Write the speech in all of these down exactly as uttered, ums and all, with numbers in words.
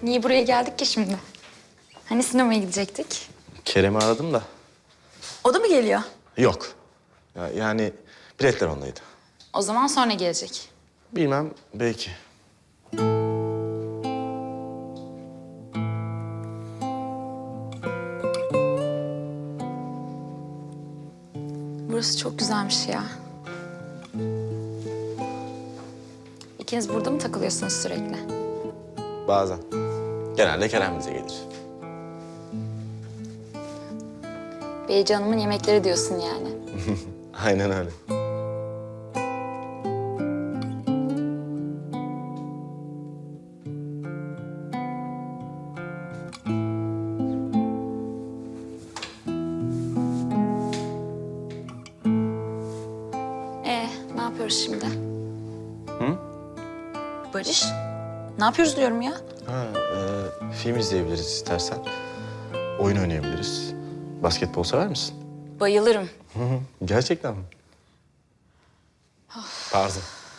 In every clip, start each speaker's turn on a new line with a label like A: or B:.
A: Niye buraya geldik ki şimdi? Hani sinemaya gidecektik?
B: Kerem'i aradım da.
A: O da mı geliyor?
B: Yok. Ya, yani biletler ondaydı.
A: O zaman sonra gelecek.
B: Bilmem, belki.
A: Burası çok güzelmiş ya. İkiniz burada mı takılıyorsunuz sürekli?
B: Bazen. Genelde Kerem bize gelir.
A: Beyci Hanım'ın yemekleri diyorsun yani.
B: Aynen öyle.
A: Ee, ne yapıyoruz şimdi?
B: Hı?
A: Barış, ne yapıyoruz diyorum ya?
B: Ha, e, film izleyebiliriz istersen. Oyun oynayabiliriz. Basketbol sever misin?
A: Bayılırım.
B: Hı hı. Gerçekten mi? Pardon.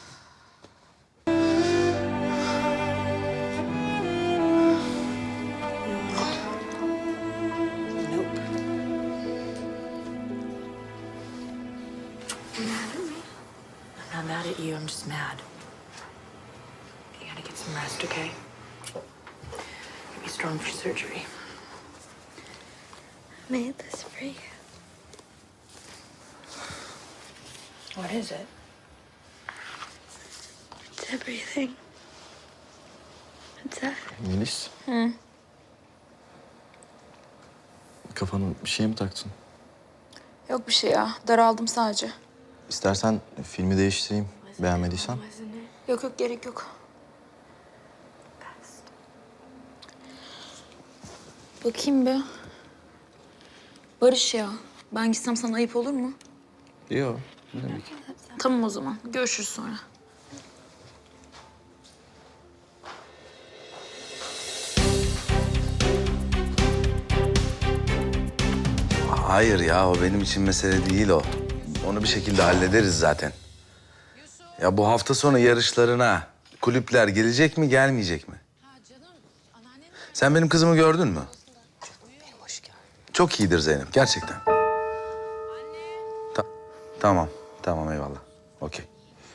C: Nope. I'm not mad at you, I'm just mad. You gotta get some rest, okay? Be strong for surgery.
D: I made this for you.
C: What is it?
D: It's everything. It's that.
B: Melis. Hı. Kafana bir şey mi taktın?
A: Yok bir şey ya, daraldım sadece.
B: İstersen filmi değiştireyim. Beğenmediysen.
D: Wasn't it?
A: Yok yok, gerek yok. Bakayım bir. Barış ya, ben gitsem sana ayıp olur mu?
B: Yok. Ne demek?
A: Tamam o zaman, görüşürüz sonra.
E: Hayır ya, o benim için mesele değil o. Onu bir şekilde hallederiz zaten. Ya bu hafta sonu yarışlarına kulüpler gelecek mi, gelmeyecek mi? Sen benim kızımı gördün mü? Çok iyidir Zeynep, gerçekten. Ta- tamam, tamam eyvallah. Okey.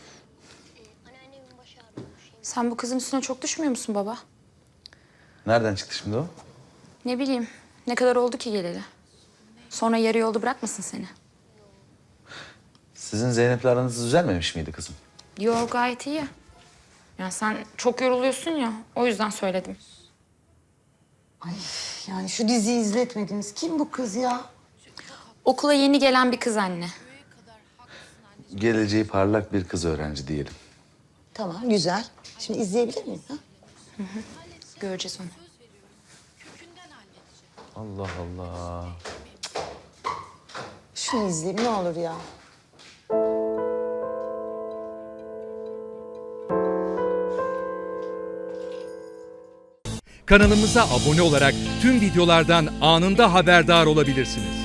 A: Sen bu kızın üstüne çok düşmüyor musun baba?
E: Nereden çıktı şimdi o?
A: Ne bileyim, ne kadar oldu ki geleli? Sonra yarı yolda bırakmasın seni.
E: Sizin Zeynep'le aranız düzelmemiş miydi kızım?
A: Yo, gayet iyi. Ya sen çok yoruluyorsun ya, o yüzden söyledim.
F: Ay yani şu diziyi izletmediniz. Kim bu kız ya?
A: Okula yeni gelen bir kız anne.
E: Geleceği parlak bir kız öğrenci diyelim.
F: Tamam güzel. Şimdi izleyebilir miyim? Ha?
A: Göreceğiz onu.
E: Allah Allah.
F: Şunu izleyeyim ne olur ya.
G: Kanalımıza abone olarak tüm videolardan anında haberdar olabilirsiniz.